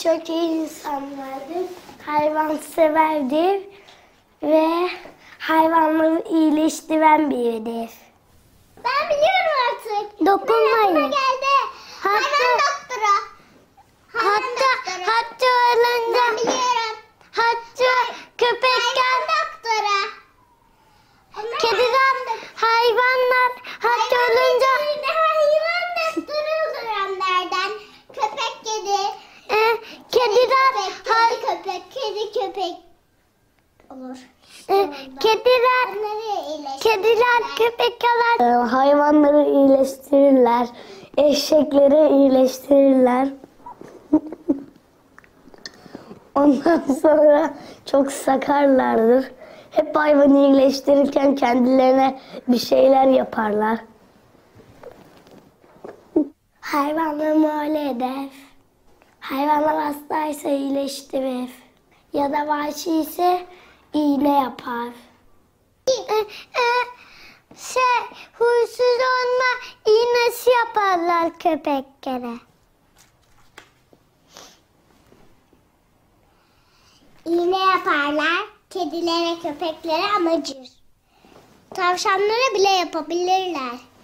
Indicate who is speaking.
Speaker 1: çok iyi insanlardır, hayvanseverdir ve hayvanları iyileştiren biridir.
Speaker 2: Ben biliyorum artık.
Speaker 1: Dokunmayın.
Speaker 2: Geldi. Hayvan doktoru.
Speaker 1: Hatta ölünce
Speaker 2: Ben biliyorum.
Speaker 1: köpekler,
Speaker 2: Hayvan doktoru.
Speaker 1: kediler, hayvanlar hatta ölünce
Speaker 2: Hayvan doktoru olur onlardan. Köpek kedi.
Speaker 1: kediler,
Speaker 2: Kedi köpek olur.
Speaker 1: Kediler, köpekler hayvanları iyileştirirler, eşekleri iyileştirirler. Ondan sonra çok sakarlardır. Hep hayvanı iyileştirirken kendilerine bir şeyler yaparlar. Hayvanları muayene eder. Hayvanlar hastaysa iyileştirir. Ya da vahşi ise iğne yapar. Huysuz olma iğnesi yaparlar köpeklere.
Speaker 2: İğne yaparlar. Kedilere, köpeklere ama acır. Tavşanlara bile yapabilirler.